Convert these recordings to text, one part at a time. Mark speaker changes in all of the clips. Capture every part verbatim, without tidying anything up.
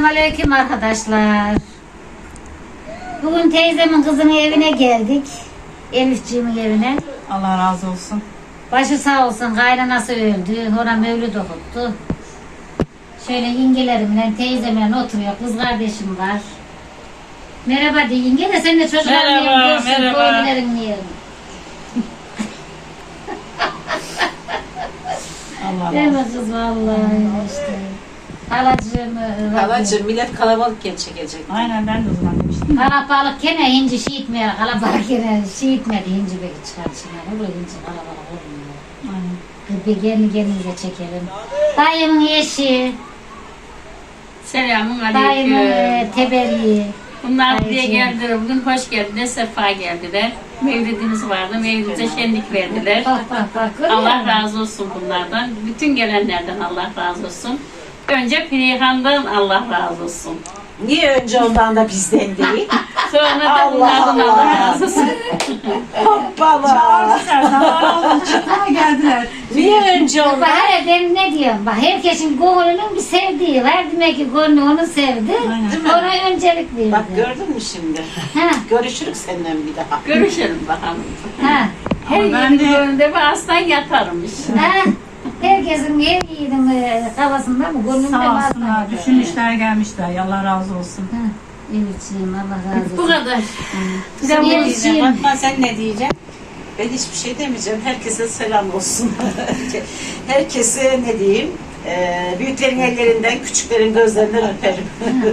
Speaker 1: Selamünaleyküm arkadaşlar. Bugün teyzemin kızının evine geldik. Elifciğimin evine.
Speaker 2: Allah razı olsun.
Speaker 1: Başı sağ olsun, kaynanası öldü. Ona mevlüt okuttu. Şöyle yengelerimle, teyzemle oturuyor. Kız kardeşim var. Merhaba de yenge de sen de çocukların
Speaker 2: Merhaba,
Speaker 1: yerini görsün.
Speaker 2: merhaba.
Speaker 1: Köylülerin yerini.
Speaker 2: Allah
Speaker 1: Değil
Speaker 2: razı
Speaker 1: mi
Speaker 2: olsun.
Speaker 1: kız vallahi işte. Halacığım.
Speaker 3: Halacığım millet kalabalıkken çekecek.
Speaker 2: Aynen ben de o zaman demiştim.
Speaker 1: Kalabalık gene hinci şey itmiyor. Kalabalık gene şey itmedi. Hinci belki çıkar çıkar. Olur hinci kalabalık olmuyor.
Speaker 2: Aynen.
Speaker 1: Bir gelin gelinize çekelim. Dayımın eşi,
Speaker 4: Selamun
Speaker 1: dayımın
Speaker 4: aleyküm.
Speaker 1: e, tebelli.
Speaker 4: Bunlar buraya
Speaker 1: Dayıcığım.
Speaker 4: geldiler. Bugün hoş geldiler, sefa geldiler. Mevlidimiz vardı. Mevlid'e şenlik verdiler.
Speaker 1: Bak bak bak. görüyor
Speaker 4: Allah
Speaker 1: musun?
Speaker 4: razı olsun bunlardan. Bütün gelenlerden Allah razı olsun. Önce Perihan'dan Allah razı olsun.
Speaker 3: Niye önce ondan da bizden değil?
Speaker 4: Sonra da
Speaker 3: Allah
Speaker 4: bunlardan Allah,
Speaker 3: Allah.
Speaker 4: razı olsun.
Speaker 3: Hoppala.
Speaker 2: Çıkmaya geldiler.
Speaker 3: Niye önce
Speaker 1: Bak
Speaker 3: ondan?
Speaker 1: hele ben ne diyorum? Bak herkesin gönlünün bir sevdiği var. Demek ki gönlü onu sevdi.
Speaker 2: Aynen.
Speaker 1: Ona öncelik verdi.
Speaker 3: Bak gördün mü şimdi?
Speaker 1: Ha,
Speaker 3: Görüşürük seninle bir daha.
Speaker 4: Görüşelim bakalım.
Speaker 1: ha,
Speaker 4: Her
Speaker 2: Ama ben
Speaker 4: yerin
Speaker 2: de-
Speaker 4: önünde bir aslan yatarmış.
Speaker 1: ha. Herkesin her yiğidin e, kafasında mı? Gönlünde mi?
Speaker 2: Sağ olsunlar.
Speaker 1: aslında?
Speaker 2: Düşünmüşler gelmişler. Allah razı olsun.
Speaker 1: Ha, Elifciğim Allah razı olsun.
Speaker 4: Bu kadar.
Speaker 1: Kızım
Speaker 3: Sen ne diyeceksin?
Speaker 1: Elifciğim.
Speaker 3: Fatma sen ne diyeceksin? Ben hiçbir şey demeyeceğim. Herkese selam olsun. Herkese ne diyeyim? Ee, büyüklerin ellerinden, küçüklerin gözlerinden öperim.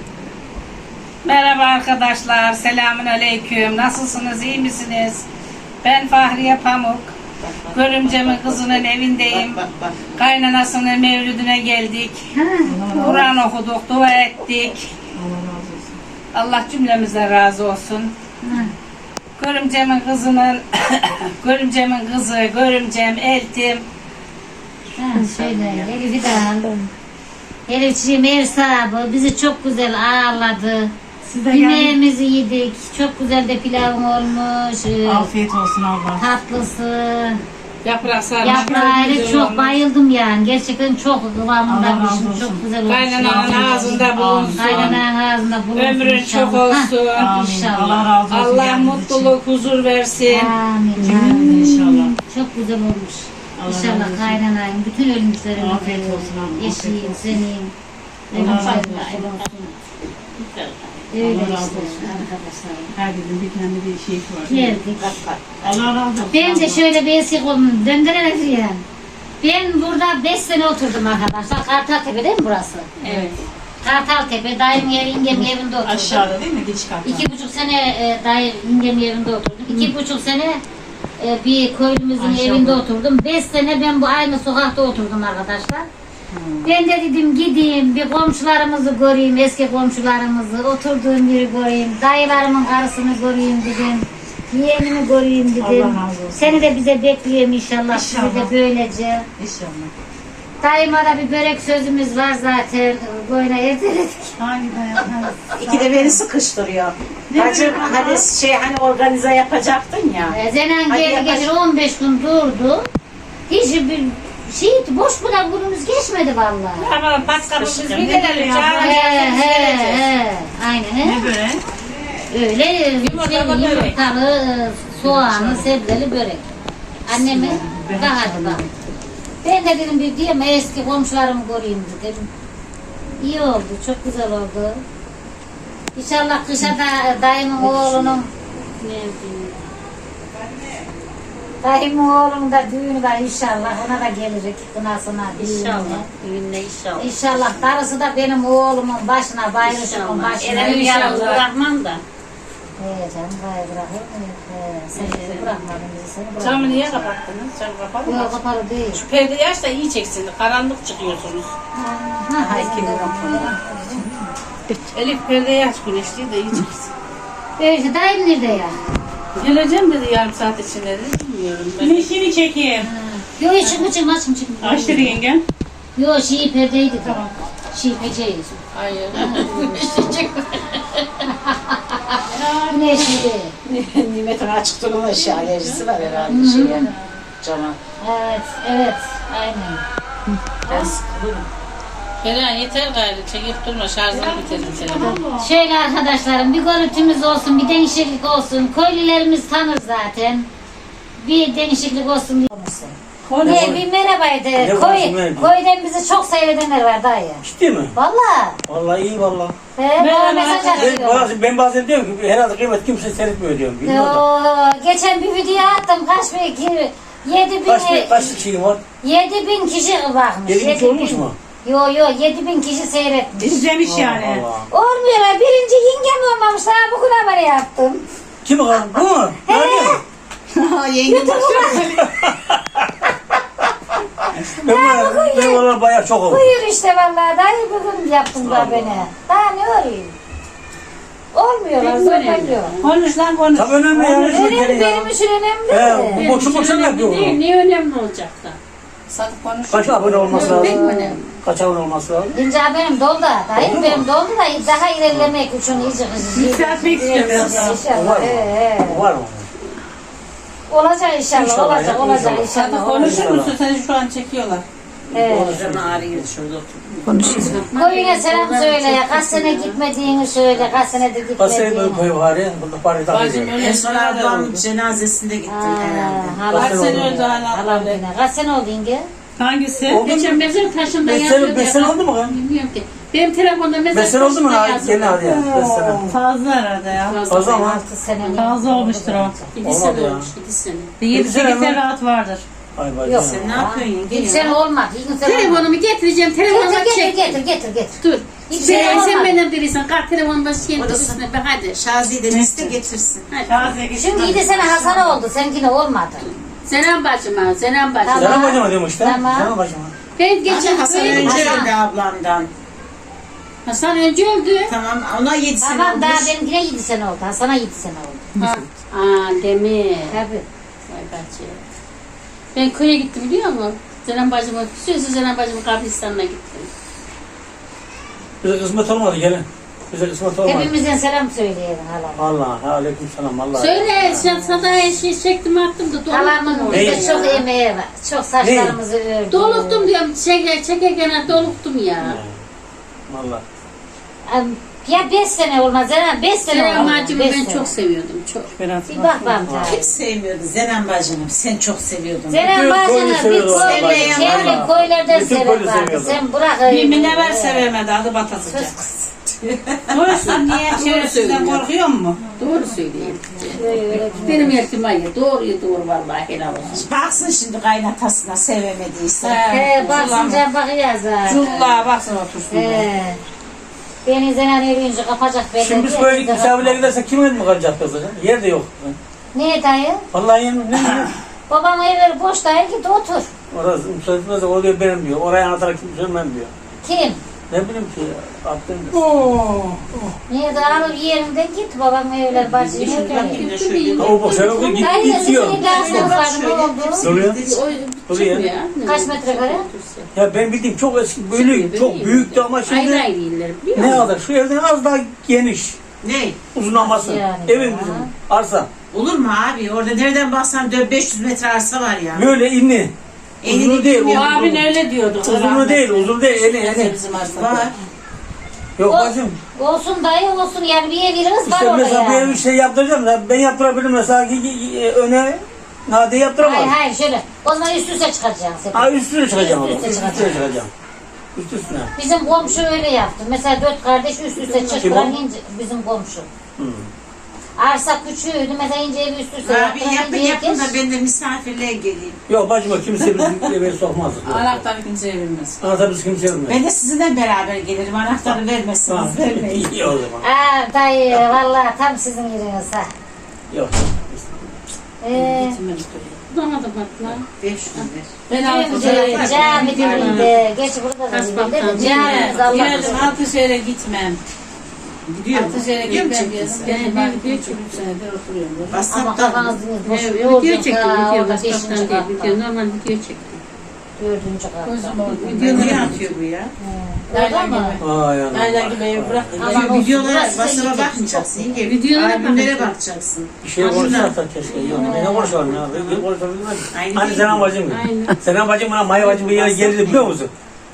Speaker 5: Merhaba arkadaşlar, selamün aleyküm. Nasılsınız, iyi misiniz? Ben Fahriye Pamuk. Görümcemin kızının evindeyim.
Speaker 3: bak bak bak.
Speaker 5: Kaynanasının mevlüdüne geldik. Kur'an okuduk, dua ettik.
Speaker 2: Allah razı olsun.
Speaker 5: Allah cümlemize razı olsun.
Speaker 1: Ha.
Speaker 5: Görümcemin kızının, görümcemin kızı, görümcem, eltim.
Speaker 1: Ha, şöyle Elif'i de al. Elifciğim ev sahibi bizi çok güzel ağırladı.
Speaker 2: Siz de gelin.
Speaker 1: Yemeğimizi yedik. Çok güzel de pilavım olmuş. ee,
Speaker 2: Afiyet olsun Allah.
Speaker 1: Tatlısı.
Speaker 5: Yaprak sarması.
Speaker 1: Yaprağıyla çok bayıldım yani. Gerçekten çok
Speaker 2: Allah
Speaker 1: kıvamındaymış.
Speaker 2: razı olsun.
Speaker 1: Çok güzel olmuş.
Speaker 5: Kaynananın ağzında bulunsun.
Speaker 1: Kaynananın ağzında bulunsun.
Speaker 5: Ömrün
Speaker 1: inşallah.
Speaker 5: çok olsun.
Speaker 1: Ha,
Speaker 2: Amin.
Speaker 1: İnşallah.
Speaker 2: Allah razı olsun.
Speaker 5: Allah
Speaker 2: geldiğiniz
Speaker 5: mutluluk, huzur versin.
Speaker 1: Amin.
Speaker 2: Cümlemize
Speaker 1: amin.
Speaker 2: inşallah.
Speaker 1: Çok güzel olmuş.
Speaker 2: Allah razı
Speaker 1: İnşallah
Speaker 2: olsun.
Speaker 1: kaynanayım. Bütün ölümlerin
Speaker 2: Afiyet olsun abi, afiyet
Speaker 1: eşiyim,
Speaker 2: olsun.
Speaker 1: senin.
Speaker 2: Allah razı
Speaker 1: Ölümlerin
Speaker 2: olsun.
Speaker 1: Öyle
Speaker 2: Allah
Speaker 1: işte
Speaker 2: razı olsun.
Speaker 1: arkadaşlar.
Speaker 2: Herkesin bir kendi bir şeyi var.
Speaker 1: Geldik.
Speaker 3: Bak bak.
Speaker 2: Allah razı olsun.
Speaker 1: Ben de
Speaker 2: Allah.
Speaker 1: şöyle bir eski kolumu döndürelim yani. Ben burada beş sene oturdum arkadaşlar. Kartaltepe değil mi burası?
Speaker 4: Evet.
Speaker 1: Kartaltepe, dayım yer, yengem evinde oturdum.
Speaker 2: Aşağıda değil mi? Giriş katta.
Speaker 1: İki buçuk sene e, dayı yengem evinde oturdum. İki buçuk sene e, bir köylümüzün
Speaker 2: Aşağıda.
Speaker 1: evinde oturdum. Beş sene ben bu aynı sokakta oturdum arkadaşlar. Ben de dedim gideyim bir komşularımızı göreyim, eski komşularımızı, oturduğum yeri göreyim, dayılarımın karısını göreyim dedim. Yeğenimi göreyim dedim.
Speaker 2: Allah razı olsun.
Speaker 1: Seni de bize bekliyorum inşallah. Sizi
Speaker 2: İnşallah.
Speaker 1: de böylece.
Speaker 2: İnşallah.
Speaker 1: Dayıma da bir börek sözümüz var zaten. Böyle erteledik.
Speaker 2: Hangi dayan?
Speaker 3: İki de beni sıkıştırıyor. Bacım hani şey hani organize yapacaktın ya.
Speaker 1: Ee, Zenen
Speaker 3: Hadi
Speaker 1: geldi
Speaker 3: yaklaş.
Speaker 1: geçen on beş gün durdu. Hiç bir şey boş bırak günümüz geçmedi vallahi.
Speaker 5: Ama paskabımız bir
Speaker 2: Ne
Speaker 5: gelelim.
Speaker 2: böyle
Speaker 5: Çağırın
Speaker 1: He
Speaker 5: gelsin,
Speaker 1: he
Speaker 5: geleceğiz.
Speaker 1: he. Aynen he.
Speaker 2: Ne böyle?
Speaker 1: Öyle şey,
Speaker 5: Yumurtalı börek.
Speaker 1: yumurtalı, e, soğanlı, sebzeli börek. Anneme
Speaker 2: Ben
Speaker 1: daha hadi bak. Ben de dedim bir diyeyim eski komşularımı göreyim dedim. İyi oldu, çok güzel oldu. İnşallah kışa da dayımın oğlunun dayımın oğlunun da düğünü var inşallah. Ona da gelecek kınasına, düğününe.
Speaker 4: İnşallah. Düğünde inşallah.
Speaker 1: İnşallah darısı da benim oğlumun başına, bayılışımın
Speaker 4: İnşallah.
Speaker 1: başına.
Speaker 4: Elimi yalnız
Speaker 1: İnşallah.
Speaker 4: bırakmam da.
Speaker 1: He canım gayrı bırakır mı? He, sen bizi bırakmadın bizi seni bırakmadın.
Speaker 5: Camı niye kapattınız? Cam kapalı mı?
Speaker 1: Yok kapalı değil.
Speaker 5: Şu perdeyi aç da iyi çeksin. Karanlık çıkıyorsunuz.
Speaker 1: Ha, hayır.
Speaker 5: Elif perdeyi aç güneşliği de iyi çeksin.
Speaker 1: Öyle dayım nerede ya?
Speaker 5: Geleceğim dedi yarım saat içinde dedi. Bilmiyorum ben.
Speaker 2: Güneşini çekeyim.
Speaker 1: Yok yok çıkma çıkma çıkma çıkma.
Speaker 2: Aç dedi yengem.
Speaker 1: Yok şey perdeydi tamam. Şey peceyi.
Speaker 5: Hayır.
Speaker 1: Güneşliydi.
Speaker 3: Nimet'in açık durma şey alerjisi var herhalde şeye. Cama.
Speaker 1: Evet evet aynen.
Speaker 3: Ben sıkılırım.
Speaker 5: Kerem yeter gayrı. Çekip durma. Şarjını bitirdin telefonu.
Speaker 1: Şöyle arkadaşlarım bir görüntümüz olsun, bir değişiklik olsun. Köylülerimiz tanır zaten. Bir değişiklik olsun diye. Ne, bir merhabaydı.
Speaker 6: Ne
Speaker 1: Koy,
Speaker 6: konuşayım, merhaba.
Speaker 1: köyden bizi çok seyredenler var dayı.
Speaker 6: Ciddi mi?
Speaker 1: Valla.
Speaker 6: Vallahi iyi vallahi.
Speaker 1: He, bana mesaj
Speaker 6: Ben
Speaker 1: atıyor.
Speaker 6: bazen, ben bazen diyorum ki herhalde kıymet kimse seyretmiyor diyorum. Bilmiyorum da.
Speaker 1: Yo, geçen bir video attım. Kaç bin, ki- yedi bin,
Speaker 6: Kaç bir kaç şeyim var?
Speaker 1: yedi bin kişi bakmış.
Speaker 6: Yedi bin kişi olmuş mu?
Speaker 1: Yo yo, yedi bin kişi seyretmiş.
Speaker 2: İzlemiş yani.
Speaker 6: Allah.
Speaker 1: Olmuyorlar. Birinci yengem olmamış. Daha bugün haberi yaptım.
Speaker 6: Kim o? Bu mu? Nerede?
Speaker 2: Yengem bakıyor.
Speaker 6: Ben var ben oralar bayağı çok oldu.
Speaker 1: Buyur işte vallahi. Dayı bugün yaptım da beni. Daha ne arayayım? Olmuyorlar. Zorlanıyor.
Speaker 2: Konuş lan konuş.
Speaker 6: Tabii önemli yani. şu
Speaker 1: Önemli,
Speaker 6: ülkenin ya.
Speaker 1: benim için önemli.
Speaker 6: He, bu boşu boşuna yapıyor
Speaker 4: Değil,
Speaker 6: bunu.
Speaker 4: ne önemli olacak da?
Speaker 5: Satıp konuş.
Speaker 6: Kaç abone olması
Speaker 4: Değil mi
Speaker 6: lazım?
Speaker 4: önemli?
Speaker 6: Kaç abone olması lazım?
Speaker 1: İnce benim doldu. Dayı
Speaker 6: Oldu mu?
Speaker 1: benim doldu da daha ilerlemek için iyice kızım.
Speaker 2: Yükseltmek istiyorum biraz daha.
Speaker 6: Var
Speaker 1: İnşallah.
Speaker 6: mı?
Speaker 1: He, he.
Speaker 6: Var mı?
Speaker 1: Olacak inşallah,
Speaker 6: İnşallah
Speaker 1: olacak,
Speaker 6: ya,
Speaker 1: olacak
Speaker 6: inşallah.
Speaker 1: inşallah.
Speaker 5: Satıp
Speaker 1: olacak.
Speaker 5: konuşur musun? Seni şu an çekiyorlar.
Speaker 1: He. Koyuna selam söyle ya. Kaç sene gitmediğini söyle. Kaç senedir
Speaker 6: Kaç sene
Speaker 1: gitmediğini.
Speaker 6: böyle koy var ya. Burada parayı
Speaker 5: Bacım
Speaker 6: takıyor.
Speaker 5: öyle
Speaker 3: En son
Speaker 5: şeyler de
Speaker 3: ablamın
Speaker 5: oldu.
Speaker 3: cenazesinde gittim herhalde.
Speaker 1: Hala
Speaker 5: Kaç sene önce hala
Speaker 1: Halam
Speaker 5: böyle.
Speaker 1: yine. Kaç sene oldu yenge?
Speaker 2: Hangisi?
Speaker 6: Oldu mu?
Speaker 4: Geçen mezar taşında
Speaker 6: Beş
Speaker 4: yazıyordu.
Speaker 6: sene, beş
Speaker 4: ya,
Speaker 6: sene
Speaker 4: ben
Speaker 6: oldu mu lan?
Speaker 4: Bilmiyorum ki. Benim telefonda mezar
Speaker 6: Beş sene oldu mu?
Speaker 4: taşında
Speaker 6: Ha,
Speaker 4: yazıyordu.
Speaker 6: Gene hadi ya. Beş sene.
Speaker 2: Fazla herhalde ya.
Speaker 6: Fazla ama.
Speaker 1: Altı sene.
Speaker 2: Fazla olmuştur o.
Speaker 4: İki
Speaker 6: Olmadı
Speaker 4: sene
Speaker 6: ya.
Speaker 4: olmuş, iki sene.
Speaker 2: Bir yedi
Speaker 6: Yedi sene
Speaker 2: sekiz
Speaker 6: mi?
Speaker 2: sene rahat vardır.
Speaker 6: Ay bacım.
Speaker 1: Yok.
Speaker 3: Sen ne yapıyorsun yenge
Speaker 1: İlk
Speaker 3: ya?
Speaker 1: sene olmadı. İlk sene olmadı.
Speaker 4: Telefonumu getireceğim, telefonuma
Speaker 1: Getir,
Speaker 4: çek.
Speaker 1: getir, getir, getir, getir.
Speaker 4: Dur.
Speaker 1: İlk
Speaker 4: Sen,
Speaker 1: sene
Speaker 4: sen
Speaker 1: olmadı.
Speaker 4: benden değilsin. Kalk telefonun başına
Speaker 3: Odası.
Speaker 4: üstüne be hadi.
Speaker 3: Şazi'yi de liste getirsin.
Speaker 4: Hadi.
Speaker 2: Şaziye gitsin.
Speaker 1: Şimdi yedi sene Hasan oldu. Seninkine olmadı.
Speaker 4: Selam bacıma, selam bacıma.
Speaker 1: Tamam.
Speaker 6: Selam bacıma diyorum işte.
Speaker 1: Tamam.
Speaker 6: Selam bacıma.
Speaker 4: Ben geçen
Speaker 3: Hasan
Speaker 4: böyle
Speaker 3: önce
Speaker 1: Hasan.
Speaker 3: öldü ablamdan.
Speaker 4: Hasan önce öldü.
Speaker 3: Tamam ona yedi sene
Speaker 1: Tamam daha
Speaker 3: olmuş.
Speaker 1: benimkine yedi sene oldu. Hasan'a yedi sene oldu.
Speaker 4: Ha. Aa demir.
Speaker 1: Tabii.
Speaker 4: Vay bacı. Ben köye gittim biliyor musun? Selam bacıma, sözü Selam bacımın kabristanına gittim.
Speaker 6: Bize kısmet olmadı gelin. Bize kısmet olmadı.
Speaker 1: Hepimizden selam söyleyelim halam.
Speaker 6: Allah, aleyküm selam. Allah.
Speaker 4: Söyle, sen sadaya şey çektim attım da doluktum
Speaker 1: Halamın
Speaker 4: orada.
Speaker 1: bize
Speaker 6: Ne?
Speaker 1: çok emeği var. Çok saçlarımızı ördü.
Speaker 4: Doluktum diyorum, çeker, çekerken doluktum ya.
Speaker 6: Allah.
Speaker 1: Am- Ya beş sene olmaz. Zeynep beş sene
Speaker 4: Selam
Speaker 1: olmaz.
Speaker 4: bacımı
Speaker 1: beş
Speaker 4: ben
Speaker 1: sene.
Speaker 4: çok seviyordum, çok.
Speaker 1: Bir bak bak.
Speaker 3: Kim sevmiyordu Zenan bacını? Sen çok seviyordun.
Speaker 1: Zeynep
Speaker 6: Bütün
Speaker 1: bacını
Speaker 6: köylü
Speaker 1: bir
Speaker 6: seviyorlar
Speaker 1: köylü,
Speaker 6: bacını.
Speaker 1: çevre
Speaker 6: Allah.
Speaker 1: köylerden
Speaker 6: Bütün
Speaker 1: sever
Speaker 6: köylü
Speaker 1: vardı.
Speaker 6: seviyordu.
Speaker 1: Sen bırak
Speaker 5: Bir
Speaker 1: öyle.
Speaker 5: minever sevemedi adı batasıca.
Speaker 1: Sus kız.
Speaker 5: Konuşsun niye çevresinden korkuyor mu?
Speaker 4: Doğru söyleyeyim.
Speaker 1: Öyle.
Speaker 4: Benim ihtimalle doğruyu doğru vallahi helal olsun.
Speaker 3: Baksın şimdi kaynatasına sevemediyse.
Speaker 1: He basınca bakacağız ha.
Speaker 5: Culla baksana otursun.
Speaker 1: He. Beni Zeynep evleyince kapacak belli.
Speaker 6: Şimdi biz
Speaker 1: diye
Speaker 6: böyle
Speaker 1: biz de
Speaker 6: misafirlere
Speaker 1: kapattık.
Speaker 6: gidersek kimin mi kalacak kız hocam? Yer de yok.
Speaker 1: Niye dayı?
Speaker 6: Vallahi yemin ne ne?
Speaker 1: Babam evleri boş dayı git otur.
Speaker 6: Orası müsaade etmezse o diyor benim diyor. Oraya anlatarak kim söylemem diyor.
Speaker 1: Kim?
Speaker 6: Ne bileyim ki ya. Attım diyor.
Speaker 1: Niye de alır yerinde git babam evler bacı evler.
Speaker 6: Ha, o boş eve git
Speaker 1: Dayı
Speaker 6: git diyor.
Speaker 1: sizin dersiniz var ne oldu?
Speaker 6: Duruyor.
Speaker 4: O
Speaker 6: Duruyor.
Speaker 4: çıkmıyor.
Speaker 1: Kaç metrekare?
Speaker 6: Ya ben bildiğim çok eski böyle çok büyüktü ama
Speaker 4: Ayrı
Speaker 6: şimdi
Speaker 4: ayrı iller biliyor
Speaker 6: ne
Speaker 4: musun?
Speaker 6: kadar? Şu evden az daha geniş.
Speaker 3: Ne?
Speaker 6: Uzunlaması.
Speaker 1: Yani
Speaker 6: Evin
Speaker 1: ya.
Speaker 6: bizim. Arsa.
Speaker 3: Olur mu abi? Orada nereden baksan dört beş yüz metre arsa var ya.
Speaker 6: Böyle inni.
Speaker 3: Enini
Speaker 6: Uzunluğu değil.
Speaker 3: bilmiyorum.
Speaker 5: O abin
Speaker 6: Uzunluğu,
Speaker 5: öyle diyordu.
Speaker 6: uzunluğu değil. Uzun değil. Eni eni.
Speaker 5: Bizim arsada.
Speaker 3: Var.
Speaker 6: Yok
Speaker 1: O-
Speaker 6: bacım.
Speaker 1: Olsun dayı olsun yani bir ev veririz var
Speaker 6: İşte
Speaker 1: orada
Speaker 6: mesela bir
Speaker 1: yani.
Speaker 6: ev şey yaptıracağım da ben yaptırabilirim mesela ki- ki- e, öne Nade yaptıramaz.
Speaker 1: Hayır hayır şöyle. O zaman üst üste çıkacaksın.
Speaker 6: Ha üstüne çıkacağım o
Speaker 1: Üst
Speaker 6: zaman.
Speaker 1: üste
Speaker 6: Üstüne
Speaker 1: çıkacaksın.
Speaker 6: çıkacağım. Üst üstüne.
Speaker 1: Bizim komşu öyle yaptı. Mesela dört kardeş üst üste
Speaker 6: Kim
Speaker 1: çıktılar
Speaker 6: o?
Speaker 1: ince bizim komşu.
Speaker 6: Hmm.
Speaker 1: Arsa küçüğüydü. Mesela ince evi üst üste
Speaker 3: Abi
Speaker 1: yaptılar.
Speaker 3: yapın
Speaker 1: ince
Speaker 3: yapın
Speaker 1: herkes-
Speaker 3: da ben de misafirliğe geleyim.
Speaker 6: Yok bacıma kimse bizim eve sokmaz.
Speaker 5: Anahtarı kimseye bilmez.
Speaker 6: Anahtar biz kimseye vermez.
Speaker 3: Ben de sizinle beraber gelirim. Anahtarı vermezsiniz. Vermeyin.
Speaker 6: İyi o zaman.
Speaker 1: Aa dayı vallahi tam sizin yeriniz ha.
Speaker 6: Yok.
Speaker 1: Ee,
Speaker 4: Bulamadım hatta.
Speaker 3: beş yüz ver.
Speaker 5: Ben altı
Speaker 1: Cami
Speaker 5: şehre
Speaker 1: cami dibinde. Geç burada da
Speaker 4: Kaç
Speaker 1: dibinde
Speaker 4: baktan
Speaker 1: de camimiz Allah
Speaker 5: Geldim
Speaker 1: korusun.
Speaker 5: altı şehre gitmem.
Speaker 3: Gidiyor mu?
Speaker 5: Altı şehre
Speaker 3: Gidiyor mu
Speaker 5: gitmem.
Speaker 3: çekilsin?
Speaker 5: Ben ben video çektim senedir oturuyorum.
Speaker 1: Ama
Speaker 3: WhatsApp'tan.
Speaker 1: kafanız dinle. Boş
Speaker 4: Evet,
Speaker 1: yolculuk
Speaker 4: video çektim,
Speaker 1: ha,
Speaker 4: video.
Speaker 1: orada
Speaker 4: Başkasından
Speaker 1: beşinci
Speaker 4: değil,
Speaker 1: katta.
Speaker 4: video. Normal video çektim.
Speaker 1: Dördüncü katta.
Speaker 5: Gözüm orada.
Speaker 3: Niye atıyor bu ya?
Speaker 1: Öyle mi?
Speaker 6: Ay anam.
Speaker 5: Aynen gibi evi bıraktım.
Speaker 1: Aman
Speaker 3: Şimdi
Speaker 1: olsun,
Speaker 3: videolara,
Speaker 1: burası da
Speaker 3: WhatsApp'a
Speaker 1: yiyecek.
Speaker 3: bakmayacaksın. Yenge.
Speaker 4: Videolara
Speaker 3: Albümlere
Speaker 4: bakacaksın.
Speaker 3: bakacaksın.
Speaker 6: Bir şey konuşsak da keşke. Yok. Ne konuşalım ya? Bir konuşalım.
Speaker 3: Aynı
Speaker 6: Hani
Speaker 3: değil
Speaker 6: Senem
Speaker 3: mi?
Speaker 6: bacım.
Speaker 4: Aynen.
Speaker 6: Senem bacım bana Maya bacım bir yere geldi biliyor musun?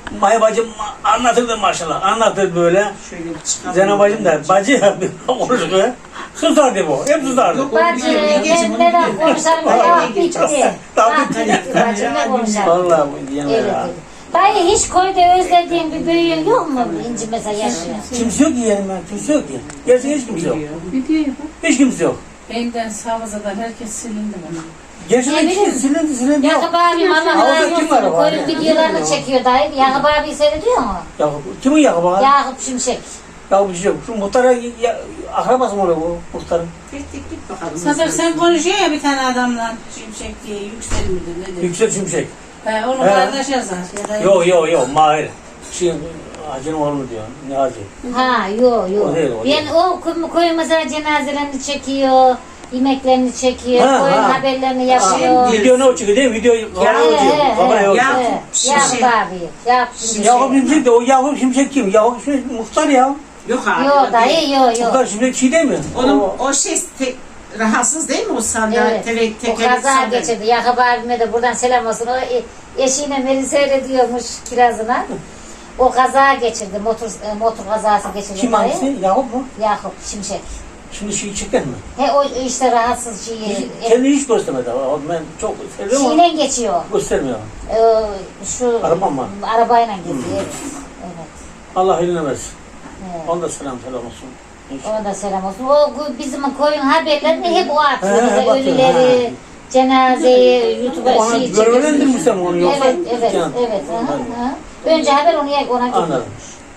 Speaker 6: Maya bacım anlatırdı maşallah. Anlatır böyle.
Speaker 3: Şöyle bir çıkalım.
Speaker 6: Zeynep bacım da bacı ya konuşuyor. Susardı bu. Hep susardı.
Speaker 3: Yok,
Speaker 1: Bacı, ben neden konuşarım da ah bitti. Ah bitti bacım ne konuşarım.
Speaker 6: Vallahi bu diyenler
Speaker 1: Evet,
Speaker 6: ha.
Speaker 1: evet. Dayı hiç köyde özlediğin bir büyüğün yok mu? İnci mesela yaşıyor.
Speaker 6: Kimse yok ki yerim ben. Kimse yok ki. Gerçekten hiç kimse yok. Hiç kimse yok.
Speaker 5: Beyden Savaza'dan herkes silindi bana.
Speaker 6: Gerçekten
Speaker 1: Ne
Speaker 6: hiç
Speaker 1: bileyim.
Speaker 6: silindi silindi yok.
Speaker 1: Yakup abim Allah
Speaker 6: Havada
Speaker 1: razı
Speaker 6: kim var
Speaker 1: olsun.
Speaker 6: o var
Speaker 1: Koyun
Speaker 6: ya?
Speaker 1: videolarını çekiyor dayı. Yakup abi seyrediyor mu?
Speaker 6: Yakup. Kimin Yakup abi?
Speaker 1: Yakup Şimşek.
Speaker 6: Yakup bir şey yok. Şu muhtara ya, akrabası mı oluyor bu muhtarın?
Speaker 3: Git git git bakalım.
Speaker 5: Sadık sen konuşuyor ya bir tane adamla. Şimşek diye yüksel midir nedir?
Speaker 6: Yüksel Şimşek.
Speaker 5: He, onu
Speaker 6: He.
Speaker 5: kardeş yazar. Ya da
Speaker 6: Yok yok yok Mahir. Şey, Hacı'nın oğlu diyor. Ne Hacı?
Speaker 1: Ha yok yok.
Speaker 6: O değil, o
Speaker 1: Ben
Speaker 6: değil.
Speaker 1: o koyun, koyun mesela cenazelerini çekiyor. Yemeklerini çekiyor.
Speaker 6: Ha,
Speaker 1: Koyun
Speaker 6: ha.
Speaker 1: haberlerini yapıyor.
Speaker 6: Video ne o çıkıyor değil mi? Video kamera
Speaker 1: He,
Speaker 6: uçuyor.
Speaker 1: he,
Speaker 6: Kamera
Speaker 1: he,
Speaker 6: yok.
Speaker 3: Yakup
Speaker 1: he.
Speaker 3: Şimşek.
Speaker 1: Yakup abi. Yakup Şimşek.
Speaker 6: Yakup Şimşek de o Yakup Şimşek kim? Yakup Şimşek muhtar ya.
Speaker 3: Yok abi.
Speaker 1: Yok
Speaker 3: o
Speaker 1: dayı
Speaker 3: değil.
Speaker 1: yok yok.
Speaker 6: Muhtar Şimşek şey değil mi?
Speaker 3: Onun
Speaker 6: O-
Speaker 3: o şey te, rahatsız değil mi o sandalye?
Speaker 1: Evet.
Speaker 3: Tek,
Speaker 1: O
Speaker 3: tekerlekli
Speaker 1: kaza
Speaker 3: sandalye.
Speaker 1: geçirdi. Yakup abime de buradan selam olsun. O e- eşiyle beni seyrediyormuş kirazına. O kaza geçirdi. Motor e, motor kazası geçirdi.
Speaker 6: Kim
Speaker 1: dayı.
Speaker 6: hangisi? Yakup mu?
Speaker 1: Yakup Şimşek.
Speaker 6: Şimdi şey çeken mi?
Speaker 1: He o işte rahatsız şeyi.
Speaker 6: Hiç- Kendini hiç göstermedi. O- Ben çok seviyorum ama
Speaker 1: Şeyle geçiyor.
Speaker 6: göstermiyor.
Speaker 1: Ee, şu
Speaker 6: Araba mı?
Speaker 1: arabayla gidiyor. Evet. Evet.
Speaker 6: Allah eline versin.
Speaker 1: Evet.
Speaker 6: Ona da selam selam olsun. İnşallah.
Speaker 1: Ona da selam olsun. O bu- bizim koyun haberlerini hep o atıyor.
Speaker 6: He, he,
Speaker 1: Mesela
Speaker 6: bakıyor,
Speaker 1: ölüleri,
Speaker 6: he.
Speaker 1: cenazeyi, YouTube'a
Speaker 6: Ona
Speaker 1: şey çekiyor.
Speaker 6: görevlendirmişler mi onu yoksa?
Speaker 1: Evet, evet,
Speaker 6: Yani-
Speaker 1: evet. Hı hı. Önce haber onu ona gidiyor.
Speaker 6: Anladım.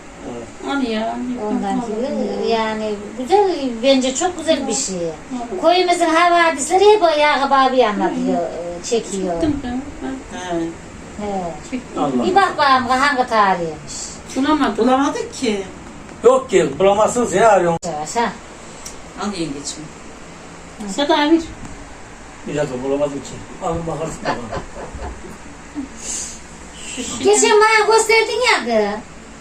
Speaker 4: Hadi ya.
Speaker 1: Ondan gibi yani güzel, bence çok güzel bir şey. Koyumuzun havadisleri hep o Yakup abi anlatıyor, e, çekiyor.
Speaker 3: He.
Speaker 1: He.
Speaker 6: Allah.
Speaker 1: Bir bak bakalım hangi tarihiymiş.
Speaker 4: Bulamadım.
Speaker 3: Bulamadık ki.
Speaker 6: Yok ki bulamazsın seni arıyorum.
Speaker 1: Yavaş ha.
Speaker 3: Al yengeçim.
Speaker 4: Sada bir.
Speaker 6: Bir dakika bulamadım ki. Alın bakarsın da bana.
Speaker 1: Geçen bana gösterdin ya kız.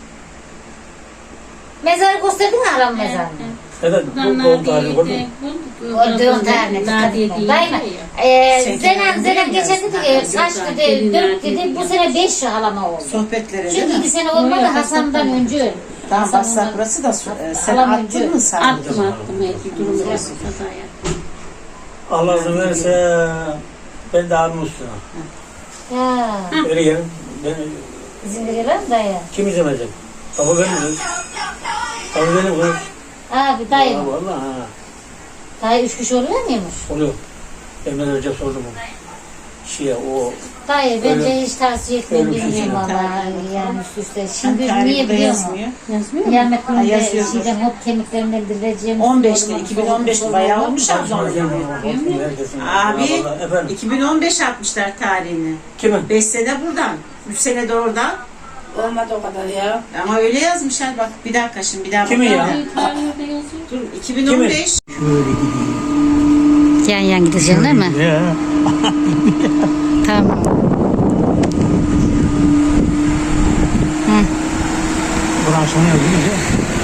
Speaker 1: Mezarı gösterdin mi aram mezarını?
Speaker 6: Evet bu doğum tarihi gördün mü?
Speaker 1: O doğum tarihine dikkat etme. Dayma. Ee, Zenan, Zenan geçen dedi ki kaç dedi, dört dedi, bu sene beş halama oldu.
Speaker 3: Sohbetlere değil
Speaker 1: Çünkü
Speaker 3: mi?
Speaker 1: iki sene olmadı Hasan'dan önce öldü.
Speaker 3: Tamam
Speaker 1: Hasan
Speaker 3: bassa
Speaker 1: ondan-
Speaker 3: burası da su- e, sen
Speaker 1: Alamam
Speaker 3: attın
Speaker 1: diyor.
Speaker 3: mı sen?
Speaker 4: Attım attım. Evet, durum yok. Sadaya.
Speaker 6: Allah izin verirse ben de abim üstüne.
Speaker 1: Ya,
Speaker 6: Öyle gelin. Ben,
Speaker 1: izin verirler mi dayı?
Speaker 6: kim izlemeyecek? Tabii benim kız. Tabii benim kız.
Speaker 1: Abi dayı mı?
Speaker 6: Vallahi ha.
Speaker 1: Dayı üç kişi oluyor muymuş?
Speaker 6: Oluyor. Emre Hoca sordu mu? Şey o
Speaker 1: Dayı bence
Speaker 6: Öyle-
Speaker 1: hiç tavsiye etmiyorum
Speaker 6: öyle bir şey
Speaker 1: bilmiyorum
Speaker 3: yok.
Speaker 1: valla yani üst üste.
Speaker 3: Şimdi
Speaker 1: Şimdi niye biliyor musun?
Speaker 3: yazmıyor.
Speaker 4: Yazmıyor mu?
Speaker 1: Kıyamet
Speaker 3: Ha,
Speaker 1: gününde
Speaker 3: yazıyor.
Speaker 1: şeyden hop kemiklerinden dirileceğim.
Speaker 3: on beşte, iki bin on beşte bayağı olmuş abi.
Speaker 6: herkesin.
Speaker 3: Abi
Speaker 6: Vallahi, efendim.
Speaker 3: iki bin on beş atmışlar tarihini.
Speaker 6: Kimin?
Speaker 3: beş sene buradan, üç sene de oradan.
Speaker 5: Olmadı o kadar ya.
Speaker 3: Ama öyle yazmışlar bak bir dakika şimdi bir daha
Speaker 6: Kimin
Speaker 3: bakalım.
Speaker 6: ya?
Speaker 4: Tarihinde yazıyor.
Speaker 3: Dur iki bin on beş.
Speaker 1: Yan yan gideceksin değil mi?
Speaker 6: Ya.
Speaker 1: Tamam.
Speaker 6: Buran sonu yazıyor.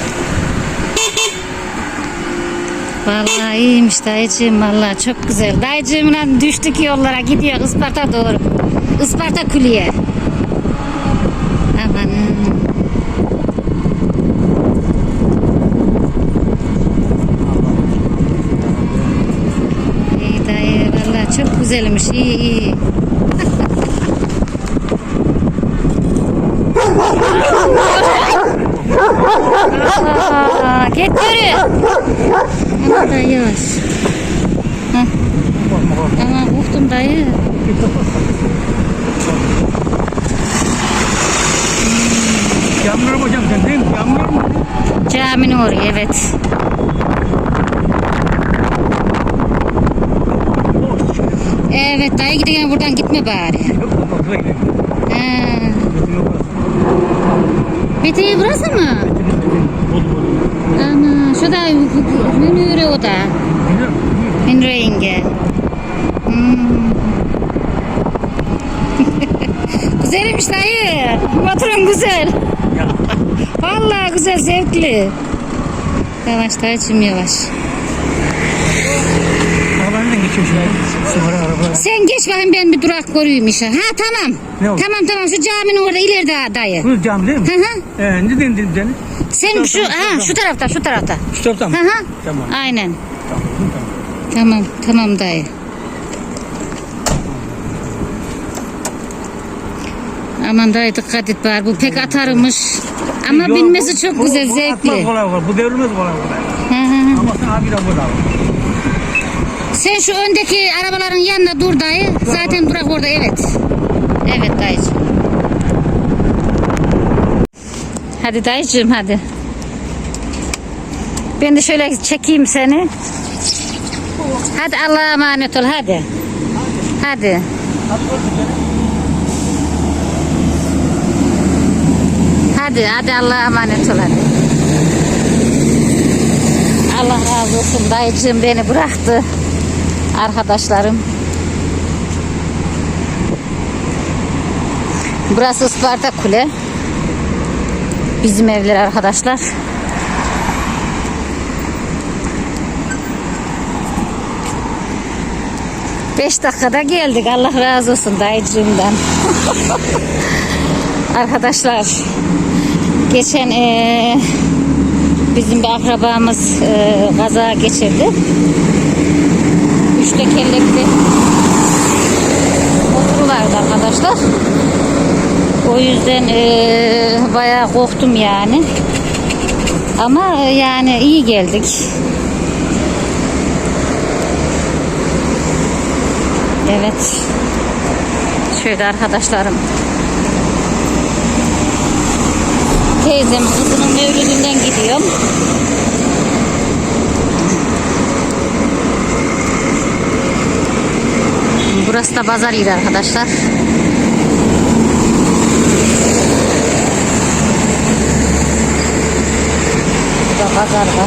Speaker 1: Vallahi iyiymiş dayıcığım vallahi çok güzel. Dayıcığımla düştük yollara gidiyor Isparta doğru. Isparta Külliye. Amanın. İyi dayı vallahi çok güzelmiş iyi iyi. Aa, git yürü. Ama dayı yavaş. Hah. Ama korktum dayı.
Speaker 6: Yağmur mu hocam sen değil mi? Yağmur mu?
Speaker 1: Caminin oraya evet. Evet dayı giderken buradan gitme bari. Ha. Mete'yi burası mı? Ana şu da Münire o da. Münire yenge. Hmm. Güzelmiş dayı. Motorun güzel. Vallahi güzel zevkli. Yavaş dayıcım yavaş.
Speaker 6: Arabayla git. geçiyor şimdi. Sonra araba.
Speaker 1: Sen geç bakayım ben bir durak göreyim işe. Ha tamam.
Speaker 6: Ne oldu?
Speaker 1: Tamam tamam şu caminin orada ileride dayı.
Speaker 6: Bu cam değil mi?
Speaker 1: Hı hı.
Speaker 6: Ee, ne dedin seni?
Speaker 1: Sen şu ha şu tarafta şu tarafta.
Speaker 6: Şu taraftan mı?
Speaker 1: Hı hı.
Speaker 6: Tamam.
Speaker 1: Aynen.
Speaker 6: Tamam. Tamam.
Speaker 1: Tamam tamam dayı. Aman dayı dikkat et bari bu pek atarmış. Ama
Speaker 6: Yok,
Speaker 1: binmesi
Speaker 6: bu-
Speaker 1: çok
Speaker 6: bu-
Speaker 1: güzel
Speaker 6: bu
Speaker 1: zevkli.
Speaker 6: atmaz kolay kolay. Bu devrilmez kolay kolay.
Speaker 1: Hı hı.
Speaker 6: Ama sen abi de burada.
Speaker 1: Sen şu öndeki arabaların yanına dur dayı. Zaten durak orada evet. Evet dayıcığım. Hadi dayıcığım hadi. Ben de şöyle çekeyim seni. Hadi Allah'a emanet ol hadi. Hadi. Hadi hadi Allah'a emanet ol hadi. Allah razı olsun dayıcığım beni bıraktı. Arkadaşlarım. Burası Isparta Kule. Bizim evler arkadaşlar. Beş dakikada geldik. Allah razı olsun dayıcığımdan. Arkadaşlar geçen ee, bizim bir akrabamız ee, kaza geçirdi. Üç tekerlekli motoru vardı arkadaşlar. O yüzden ee, bayağı korktum yani. Ama ee, yani iyi geldik. Evet. Şöyle arkadaşlarım. Teyzem kızının mevlüdünden gidiyorum. Burası da pazar yeri arkadaşlar. Burada pazar var.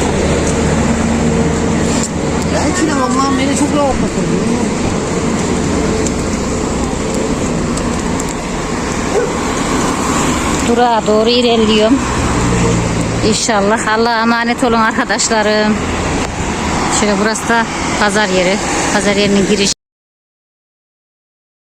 Speaker 6: Ya içine Allah'ım beni çok rahatlatır.
Speaker 1: Durağa doğru ilerliyorum. İnşallah. Allah'a emanet olun arkadaşlarım. Şöyle burası da pazar yeri. Pazar yerinin giriş.